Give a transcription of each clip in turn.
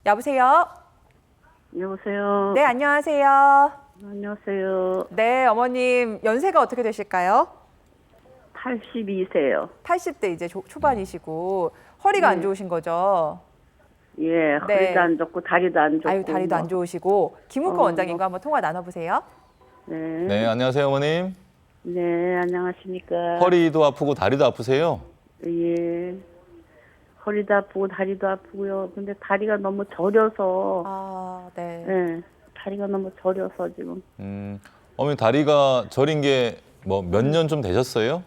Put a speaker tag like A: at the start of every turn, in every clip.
A: 여보세요?
B: 여보세요.
A: 네, 안녕하세요.
B: 안녕하세요.
A: 네, 어머님 연세가 어떻게 되실까요?
B: 82세요.
A: 80대 이제 초반이시고 허리가 안 좋으신 거죠?
B: 예,
A: 네.
B: 허리도 안 좋고 다리도 안 좋고.
A: 아유, 다리도 안 좋으시고 김우권 원장님과 한번 통화 나눠보세요.
B: 네.
C: 네, 안녕하세요, 어머님.
B: 네, 안녕하십니까.
C: 허리도 아프고 다리도 아프세요?
B: 예. 허리도 아프고 다리도 아프고요. 근데 다리가 너무 저려서.
A: 아, 네.
B: 예. 다리가 너무 저려서 지금.
C: 어머님 다리가 저린 게 뭐 몇 년 좀 되셨어요?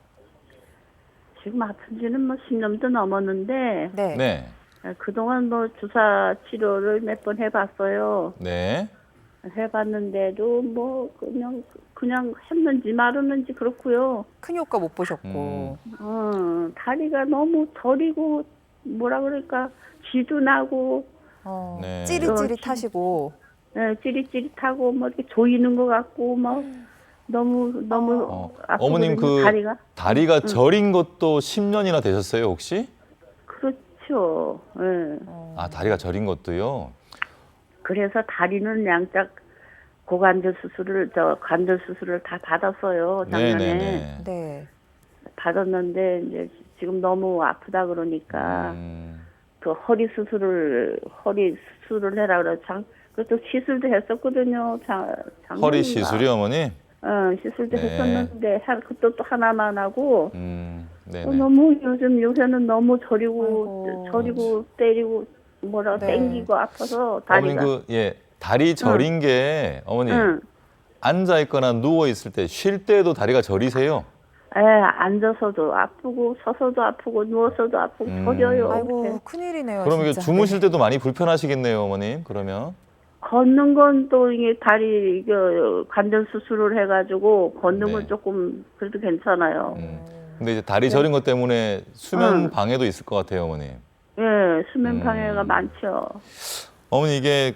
B: 지금 아픈 지는 뭐 10년도 넘었는데.
A: 네.
C: 네.
B: 그동안 뭐 주사 치료를 몇 번 해봤어요.
C: 네.
B: 해봤는데도 뭐 그냥 했는지 말았는지 그렇고요.
A: 큰 효과 못 보셨고.
B: 다리가 너무 저리고 뭐라 그럴까 쥐도 나고
C: 네.
A: 찌릿찌릿하시고.
B: 예, 찌릿찌릿하고 뭐 이렇게 조이는 것 같고 뭐 너무 아프거든요.
C: 어머님 그
B: 다리가.
C: 저린 것도 10년이나 되셨어요, 혹시?
B: 그렇죠. 예.
C: 아, 다리가 저린 것도요?
B: 그래서 다리는 양짝 고관절 수술을 관절 수술을 다 받았어요 작년에.
C: 네네네.
A: 네.
B: 받았는데 이제 지금 너무 아프다 그러니까 그 허리 수술을 해라 그래. 그것도 시술도 했었거든요.
C: 허리 시술이요, 어머니?
B: 시술도
C: 네.
B: 했었는데 그것도 또 하나만 하고
C: 네네.
B: 너무 요새는 너무 저리고
A: 아이고.
B: 저리고 때리고 뭐라
A: 네.
B: 땡기고 아파서
C: 어머님
B: 다리가.
C: 다리 저린 게 어머니
B: 응.
C: 앉아 있거나 누워 있을 때 쉴 때도 다리가 저리세요?
B: 예, 앉아서도 아프고 서서도 아프고 누워서도 아프고 저려요.
A: 아이고,
B: 이렇게.
A: 큰일이네요.
C: 그럼 이게
A: 진짜.
C: 주무실 때도 많이 불편하시겠네요, 어머님. 그러면.
B: 걷는 건 또 이게 다리 관절 수술을 해가지고 걷는 건
C: 네.
B: 조금 그래도 괜찮아요.
C: 근데 이제 다리 저린 것 때문에 수면 방해도 있을 것 같아요, 어머님.
B: 예, 수면 방해가 많죠.
C: 어머니 이게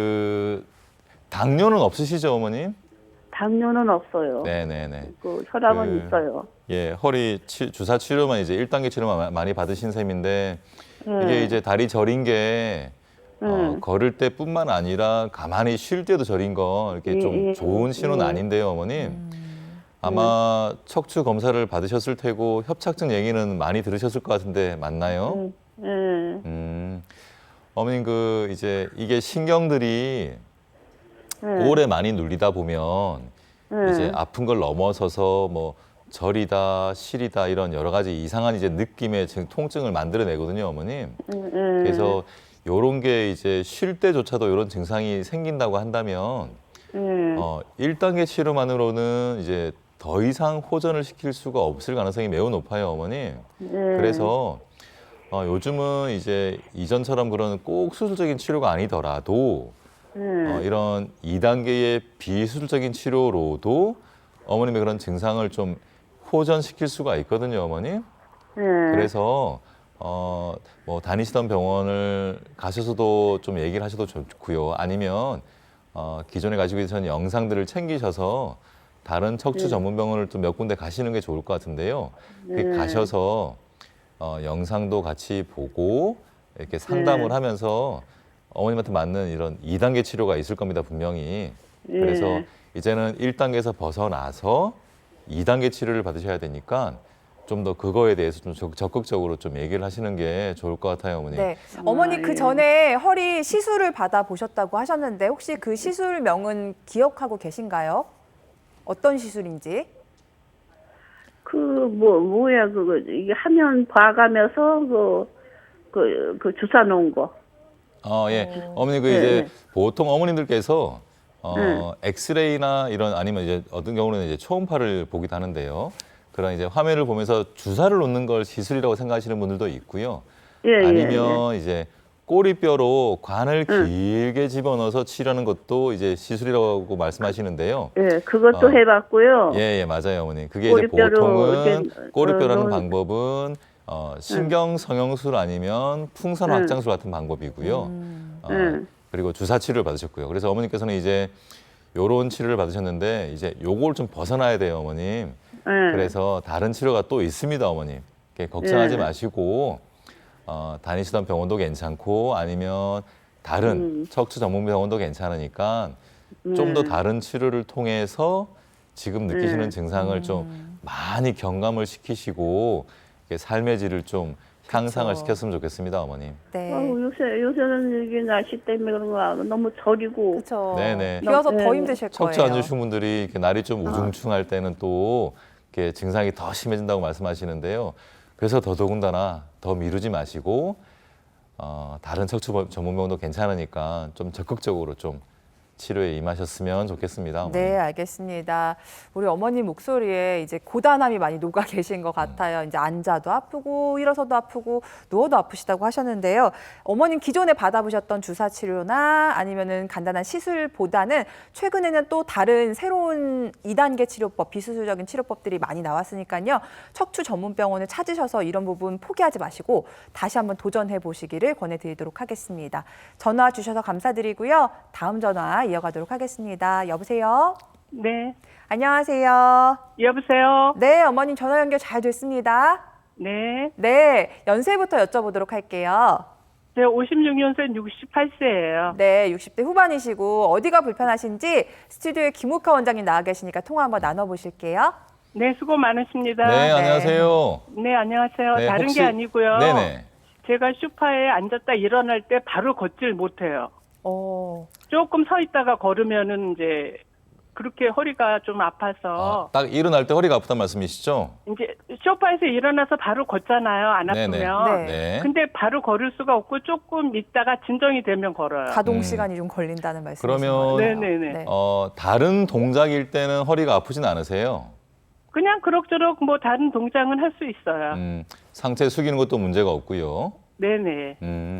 C: 당뇨는 없으시죠, 어머님?
B: 당뇨는 없어요.
C: 네네네.
B: 그 혈압은
C: 그-
B: 있어요.
C: 예, 허리 주사 치료만 이제 1단계 치료만 많이 받으신 셈인데
B: 예.
C: 이게 이제 다리 저린 게 걸을 때뿐만 아니라 가만히 쉴 때도 저린 거 이렇게 좀
B: 예,
C: 좋은 신호는
B: 예.
C: 아닌데요, 어머님. 아마 척추 검사를 받으셨을 테고 협착증 얘기는 많이 들으셨을 것 같은데 맞나요?
B: 예.
C: 어머님 이제 이게 신경들이
B: 예.
C: 오래 많이 눌리다 보면 이제 아픈 걸 넘어서서 뭐 저리다, 시리다 이런 여러 가지 이상한 이제 느낌의 통증을 만들어내거든요, 어머님. 그래서 요런 게 이제 쉴 때조차도 이런 증상이 생긴다고 한다면 1단계 치료만으로는 이제 더 이상 호전을 시킬 수가 없을 가능성이 매우 높아요, 어머님. 그래서 요즘은 이제 이전처럼 그런 꼭 수술적인 치료가 아니더라도 이런 2단계의 비수술적인 치료로도 어머님의 그런 증상을 좀 호전시킬 수가 있거든요, 어머님. 그래서 뭐 다니시던 병원을 가셔서도 좀 얘기를 하셔도 좋고요. 아니면 기존에 가지고 계신 영상들을 챙기셔서 다른 척추 전문 병원을 또 몇 군데 가시는 게 좋을 것 같은데요. 가셔서 영상도 같이 보고 이렇게 상담을 하면서 어머님한테 맞는 이런 2단계 치료가 있을 겁니다, 분명히. 그래서 이제는 1단계에서 벗어나서 2단계 치료를 받으셔야 되니까 좀 더 그거에 대해서 좀 적극적으로 좀 얘기를 하시는 게 좋을 것 같아요, 어머니.
A: 네. 어머니 그 전에 허리 시술을 받아 보셨다고 하셨는데 혹시 그 시술명은 기억하고 계신가요? 어떤 시술인지?
B: 뭐야 그거 이게 화면 봐가면서 그 주사 놓은 거.
C: 예. 어머니
B: 네.
C: 이제 보통 어머님들께서 엑스레이나 이런 아니면 이제 어떤 경우는 이제 초음파를 보기도 하는데요. 그런 이제 화면을 보면서 주사를 놓는 걸 시술이라고 생각하시는 분들도 있고요. 아니면 이제 꼬리뼈로 관을 길게 집어넣어서 치료하는 것도 이제 시술이라고 말씀하시는데요.
B: 예, 그것도 해봤고요.
C: 예, 맞아요, 어머니. 그게 이제
B: 꼬리뼈로
C: 보통은
B: 이렇게,
C: 꼬리뼈라는
B: 넣은-
C: 방법은 신경 성형술 아니면 풍선 확장술 같은 방법이고요. 그리고 주사 치료를 받으셨고요. 그래서 어머니께서는 이제 요런 치료를 받으셨는데 이제 요걸 좀 벗어나야 돼요, 어머님. 그래서 다른 치료가 또 있습니다, 어머님. 걱정하지 마시고 다니시던 병원도 괜찮고 아니면 다른 척추 전문 병원도 괜찮으니까 좀 더 다른 치료를 통해서 지금 느끼시는 증상을 좀 많이 경감을 시키시고 이렇게 삶의 질을 좀 향상을
A: 그쵸.
C: 시켰으면 좋겠습니다, 어머님.
A: 네.
B: 요새는 이게 날씨 때문에 그런가 너무 저리고.
A: 그렇죠.
C: 네네.
A: 비 와서 더
B: 네.
A: 힘드실
C: 척추 안
A: 거예요.
C: 좋으신 분들이 이렇게 날이 좀 우중충할 때는 또 이렇게 증상이 더 심해진다고 말씀하시는데요. 그래서 더더군다나 더 미루지 마시고 다른 척추 전문병원도 괜찮으니까 좀 적극적으로 좀 치료에 임하셨으면 좋겠습니다. 어머니.
A: 네, 알겠습니다. 우리 어머님 목소리에 이제 고단함이 많이 녹아 계신 것 같아요. 이제 앉아도 아프고 일어서도 아프고 누워도 아프시다고 하셨는데요. 어머님 기존에 받아보셨던 주사 치료나 아니면은 간단한 시술보다는 최근에는 또 다른 새로운 2단계 치료법, 비수술적인 치료법들이 많이 나왔으니까요. 척추 전문 병원을 찾으셔서 이런 부분 포기하지 마시고 다시 한번 도전해 보시기를 권해드리도록 하겠습니다. 전화 주셔서 감사드리고요. 다음 전화 이어가도록 하겠습니다. 여보세요?
D: 네.
A: 안녕하세요.
D: 여보세요?
A: 네, 어머님 전화 연결 잘 됐습니다.
D: 네.
A: 네, 연세부터 여쭤보도록 할게요.
D: 제가 56년생 68세예요.
A: 네, 60대 후반이시고 어디가 불편하신지 스튜디오에 김욱하 원장님 나와 계시니까 통화 한번 나눠보실게요.
D: 네, 수고 많으십니다.
C: 네, 안녕하세요.
D: 네, 안녕하세요.
C: 네,
D: 다른
C: 혹시-
D: 게 아니고요.
C: 네네.
D: 제가 소파에 앉았다 일어날 때 바로 걷질 못해요. 조금 서 있다가 걸으면은 이제 그렇게 허리가 좀 아파서
C: 딱 일어날 때 허리가 아프단 말씀이시죠?
D: 이제 소파에서 일어나서 바로 걷잖아요. 안
C: 네네.
D: 아프면.
A: 네.
D: 근데 바로 걸을 수가 없고 조금 있다가 진정이 되면 걸어요.
A: 가동 시간이 좀 걸린다는 말씀이신
C: 그러면-
A: 거예요.
D: 네네네.
C: 다른 동작일 때는 허리가 아프진 않으세요?
D: 그냥 그럭저럭 뭐 다른 동작은 할 수 있어요.
C: 상체 숙이는 것도 문제가 없고요.
D: 네네.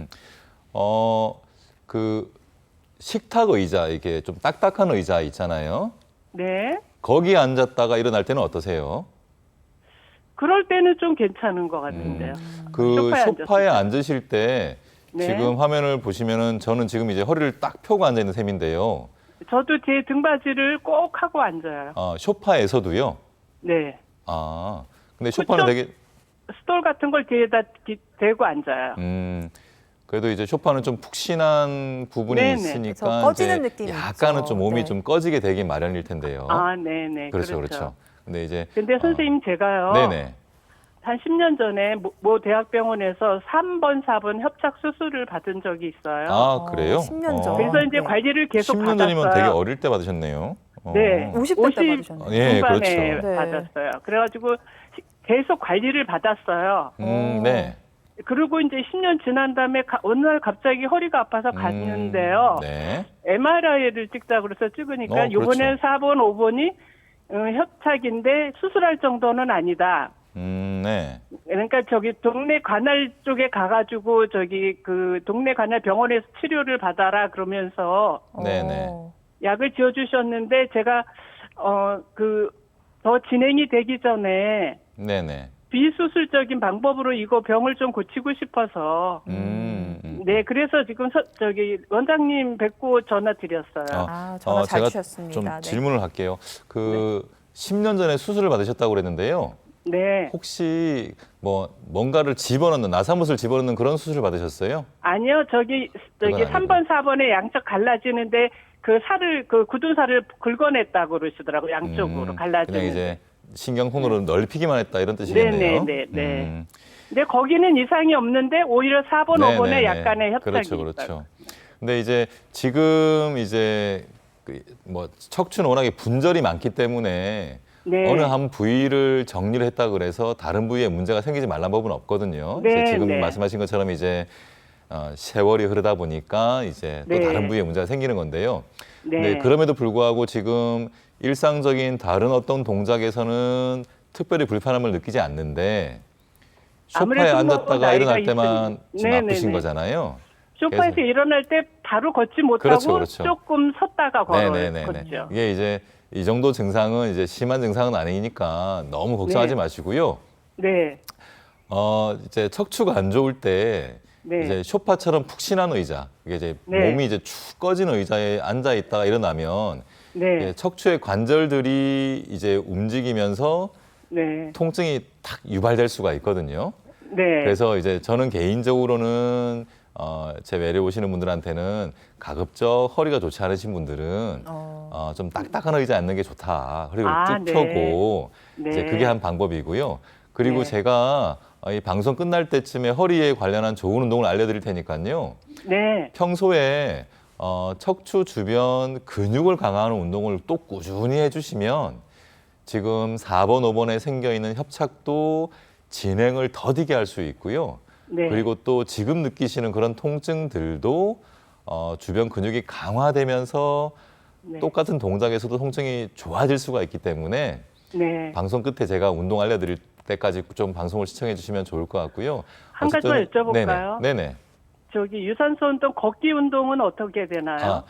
C: 그 식탁 의자, 이게 좀 딱딱한 의자 있잖아요.
D: 네.
C: 거기에 앉았다가 일어날 때는 어떠세요?
D: 그럴 때는 좀 괜찮은 것 같은데요.
C: 그
D: 소파에
C: 소파에
D: 앉았을
C: 앉으실 때
D: 네.
C: 지금 화면을 보시면은 저는 지금 이제 허리를 딱 펴고 앉아 있는 셈인데요.
D: 저도 제 등받이를 꼭 하고 앉아요.
C: 소파에서도요.
D: 네.
C: 근데 소파는 되게
D: 스톨 같은 걸 뒤에다 대고 앉아요.
C: 그래도 이제 소파는 좀 푹신한 부분이
D: 네네.
C: 있으니까
A: 그래서 꺼지는
C: 이제
A: 느낌이
C: 약간은
A: 있죠.
C: 좀 몸이
A: 네.
C: 좀 꺼지게 되긴 마련일 텐데요.
D: 네네.
C: 그렇죠, 그렇죠. 근데 이제
D: 근데 선생님 제가요.
C: 네네.
D: 한 10년 전에 모 대학병원에서 3번, 4번 협착 수술을 받은 적이 있어요.
C: 그래요?
A: 10년 전.
D: 그래서 이제
A: 네.
D: 관리를 계속
C: 10년
D: 받았어요.
C: 전이면 되게 어릴 때 받으셨네요.
D: 네.
A: 50대 때 받으셨네요.
C: 예,
D: 중반에
C: 그렇죠.
A: 네.
D: 받았어요. 그래가지고 계속 관리를 받았어요.
C: 네.
D: 그리고 이제 10년 지난 다음에 어느 날 갑자기 허리가 아파서 갔는데요.
C: 네.
D: MRI를 찍자고 그래서 찍으니까
C: 그렇죠.
D: 이번에 4번, 5번이 협착인데 수술할 정도는 아니다.
C: 네.
D: 그러니까 저기 동네 관할 쪽에 가가지고 저기 그 동네 관할 병원에서 치료를 받아라 그러면서
C: 네네.
D: 약을 지어주셨는데 제가 더 진행이 되기 전에
C: 네네.
D: 비수술적인 방법으로 이거 병을 좀 고치고 싶어서 네 그래서 지금 저기 원장님 뵙고 전화 드렸어요.
A: 전화 잘
C: 제가
A: 주셨습니다.
C: 좀
A: 네.
C: 질문을 할게요. 10년 전에 수술을 받으셨다고 그랬는데요.
D: 네
C: 혹시 뭔가를 집어넣는 나사못을 집어넣는 그런 수술을 받으셨어요?
D: 아니요 저기
C: 그건 아니고.
D: 3번 4번에 양쪽 갈라지는데 그 살을 그 굳은 살을 긁어냈다고 그러시더라고 양쪽으로 갈라지는.
C: 그냥 이제 신경통로를 넓히기만 했다 이런 뜻이겠네요.
D: 네네네. 근데 거기는 이상이 없는데 오히려 4번, 5번에 약간의 협착이
C: 그렇죠,
D: 있어요.
C: 그렇죠. 근데 이제 지금 이제 척추는 워낙에 분절이 많기 때문에
D: 네.
C: 어느 한 부위를 정리를 했다 그래서 다른 부위에 문제가 생기지 말란 법은 없거든요.
D: 네,
C: 이제 지금
D: 네.
C: 말씀하신 것처럼 이제 세월이 흐르다 보니까 이제 또
D: 네.
C: 다른 부위에 문제가 생기는 건데요.
D: 네.
C: 근데 그럼에도 불구하고 지금 일상적인 다른 어떤 동작에서는 특별히 불편함을 느끼지 않는데 소파에
D: 아무래도
C: 앉았다가
D: 나이가
C: 일어날 때만
D: 있으니.
C: 지금
D: 네네네.
C: 아프신 거잖아요.
D: 소파에서
C: 그래서-
D: 일어날 때 바로 걷지 못하고
C: 그렇죠, 그렇죠.
D: 조금 섰다가
C: 네네네.
D: 걷죠.
C: 이게 이제 이 정도 증상은 이제 심한 증상은 아니니까 너무 걱정하지
D: 네.
C: 마시고요.
D: 네.
C: 이제 척추가 안 좋을 때
D: 네.
C: 이제 소파처럼 푹신한 의자, 이게 이제
D: 네.
C: 몸이 이제 축 꺼지는 의자에 앉아 있다가 일어나면
D: 네.
C: 척추의 관절들이 이제 움직이면서
D: 네.
C: 통증이 탁 유발될 수가 있거든요.
D: 네.
C: 그래서 이제 저는 개인적으로는 제 외래 오시는 분들한테는 가급적 허리가 좋지 않으신 분들은 좀 딱딱한 의자 앉는 게 좋다. 허리를 쭉
D: 네.
C: 펴고 이제
D: 네.
C: 그게 한 방법이고요. 그리고
D: 네.
C: 제가 이 방송 끝날 때쯤에 허리에 관련한 좋은 운동을 알려드릴 테니까요.
D: 네.
C: 평소에 척추 주변 근육을 강화하는 운동을 또 꾸준히 해주시면 지금 4번, 5번에 생겨 있는 협착도 진행을 더디게 할 수 있고요.
D: 네.
C: 그리고 또 지금 느끼시는 그런 통증들도 주변 근육이 강화되면서
D: 네.
C: 똑같은 동작에서도 통증이 좋아질 수가 있기 때문에
D: 네.
C: 방송 끝에 제가 운동 알려드릴 때까지 좀 방송을 시청해 주시면 좋을 것 같고요.
D: 한 가지만
C: 어쨌든-
D: 여쭤볼까요?
C: 네네.
D: 저기 유산소 운동, 걷기 운동은 어떻게 되나요?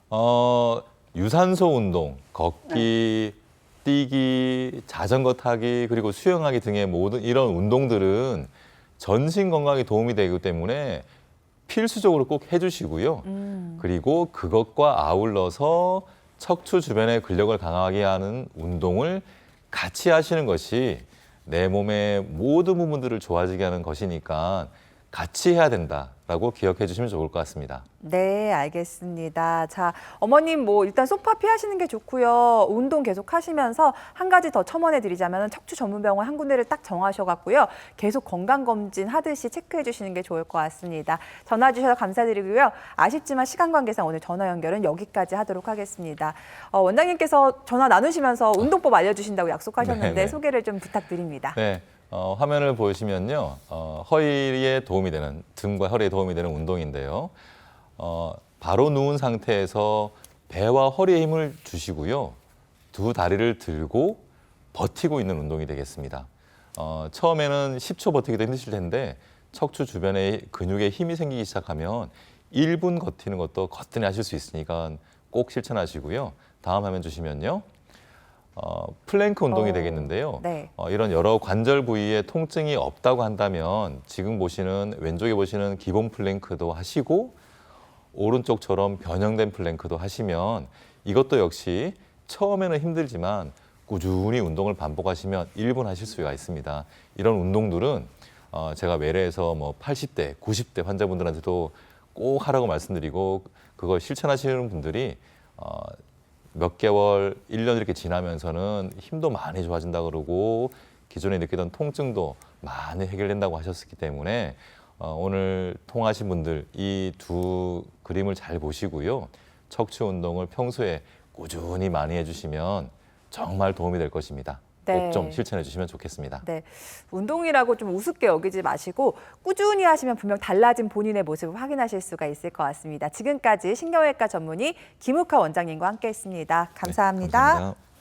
C: 유산소 운동, 걷기, 뛰기, 자전거 타기, 그리고 수영하기 등의 모든 이런 운동들은 전신 건강에 도움이 되기 때문에 필수적으로 꼭 해주시고요. 그리고 그것과 아울러서 척추 주변의 근력을 강하게 하는 운동을 같이 하시는 것이 내 몸의 모든 부분들을 좋아지게 하는 것이니까 같이 해야 된다라고 기억해 주시면 좋을 것 같습니다.
A: 네, 알겠습니다. 자, 어머님 뭐 일단 소파 피하시는 게 좋고요. 운동 계속 하시면서 한 가지 더 첨언해 드리자면 척추 전문병원 한 군데를 딱 정하셔갖고요. 계속 건강검진 하듯이 체크해 주시는 게 좋을 것 같습니다. 전화 주셔서 감사드리고요. 아쉽지만 시간 관계상 오늘 전화 연결은 여기까지 하도록 하겠습니다. 원장님께서 전화 나누시면서 운동법 알려주신다고 약속하셨는데
C: 네네.
A: 소개를 좀 부탁드립니다.
C: 네, 화면을 보시면요, 허리에 도움이 되는 등과 허리에 도움이 되는 운동인데요. 바로 누운 상태에서 배와 허리에 힘을 주시고요, 두 다리를 들고 버티고 있는 운동이 되겠습니다. 처음에는 10초 버티기도 힘드실 텐데 척추 주변에 근육에 힘이 생기기 시작하면 1분 버티는 것도 거뜬히 하실 수 있으니까 꼭 실천하시고요. 다음 화면 주시면요. 플랭크 운동이 되겠는데요.
A: 네.
C: 이런 여러 관절 부위에 통증이 없다고 한다면 지금 보시는 왼쪽에 보시는 기본 플랭크도 하시고 오른쪽처럼 변형된 플랭크도 하시면 이것도 역시 처음에는 힘들지만 꾸준히 운동을 반복하시면 1분 하실 수가 있습니다. 이런 운동들은 제가 외래에서 뭐 80대, 90대 환자분들한테도 꼭 하라고 말씀드리고 그걸 실천하시는 분들이 몇 개월, 1년 이렇게 지나면서는 힘도 많이 좋아진다 그러고 기존에 느끼던 통증도 많이 해결된다고 하셨기 때문에 오늘 통화하신 분들 이 두 그림을 잘 보시고요. 척추 운동을 평소에 꾸준히 많이 해주시면 정말 도움이 될 것입니다.
A: 네.
C: 꼭 좀 실천해 주시면 좋겠습니다.
A: 네, 운동이라고 좀 우습게 여기지 마시고 꾸준히 하시면 분명 달라진 본인의 모습을 확인하실 수가 있을 것 같습니다. 지금까지 신경외과 전문의 김욱하 원장님과 함께했습니다. 감사합니다.
C: 네, 감사합니다.